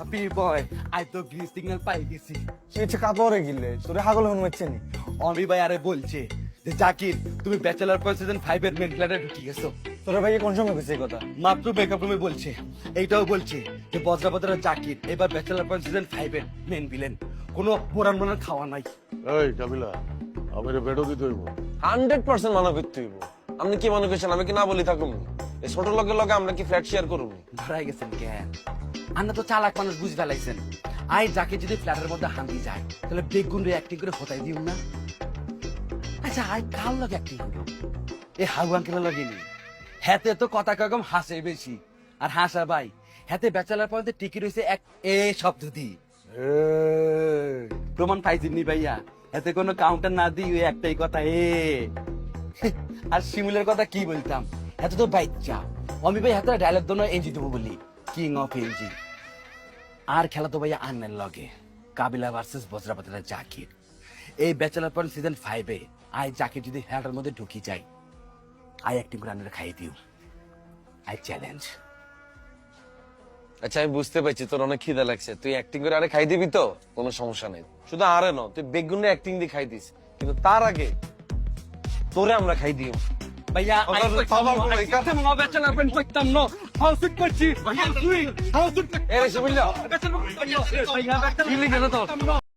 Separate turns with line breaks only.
Happy boy I তো green signal পাই গেছি।
সে ইচ্ছে কাপড়ে গিলে তোরে হাগল হন মারছে নি।
অমি ভাই আরে বলছে যে জাকির তুমি ব্যাচেলার পর সিজন 5 এর মেন ফ্ল্যাটে ঢুকে গেছো।
তোরে ভাই কোন সময় কইছে এই কথা?
মাত্র মেকআপ রুমে বলছে। এইটাও বলছে যে বজ্রাপতরা জাকির এবার ব্যাচেলার পর সিজন 5 এর মেন ভিলেন। কোনো মোরান মোরান খাওয়া নাই।
এই কাবিলা আমার বেডও দিতে হইব।
100% মানা করতে হইব। আপনি কি মনে করছেন আমি কি না বলি থাকুন? এই ছোট লোকের লগে আমরা কি ফ্ল্যাট শেয়ার করব?
ধরাই গেছেন কেন? আন্না তো চালাক মানুষ বুঝ ফেলাইছেন। আই যাকে যদি ফ্ল্যাটের মধ্যে হান্দি যায় তাহলে বেগুন রে অ্যাক্টিং করে হতাই দিও না। আচ্ছা আই কাল লগে অ্যাক্টিং করব? এ হাউ আঙ্কেলের লগে নি। হাতে তো কথা কম হাসে বেশি। আর হাসা ভাই হাতে ব্যাচেলার পয়েন্টে টিকি রইছে এক এ শব্দ দি। প্রমাণ পাইছিনি ভাইয়া। এতে কোনো কাউন্টার না দিই ওই একটাই কথা এ। আর শিমুলের কথা কি বলতাম, এত তো বাইচ্চা অমি ভাই হাতে ডায়লগ দোনো এনজি দেবো বলি, কিং অফ এনজি। আর খেলা তো ভাইয়া আন্নের লগে কাবিলা ভার্সেস বজ্রাপাতের জাকির। এই ব্যাচেলার পয়েন্ট সিজন 5 এ আই জাকির যদি হেলাটার মধ্যে ঢুকি যাই, আই অ্যাক্টিং করে আন্নের খাইয়ে দিও। I challenge.
আচ্ছা আমি বুঝতে পারছি তোর অনেক খিদা লাগছে, তুই অ্যাক্টিং করে আরে খাই দিবি তো কোনো সমস্যা নেই। শুধু আরে ন তুই বেগুনে অ্যাক্টিং দিয়ে খাই দিস, কিন্তু তার আগে তোরে আমরা খাই দিও।
ভাইয়া আই কইতাম না ব্যাচেলার পয়েন্ট কইতাম না, হাউস করছি ভাইয়া তুই হাউস
এরে শিবুল্লা
ব্যাচেলার পয়েন্ট ভাইয়া ব্যাচেলার
কি লিখে না তোর?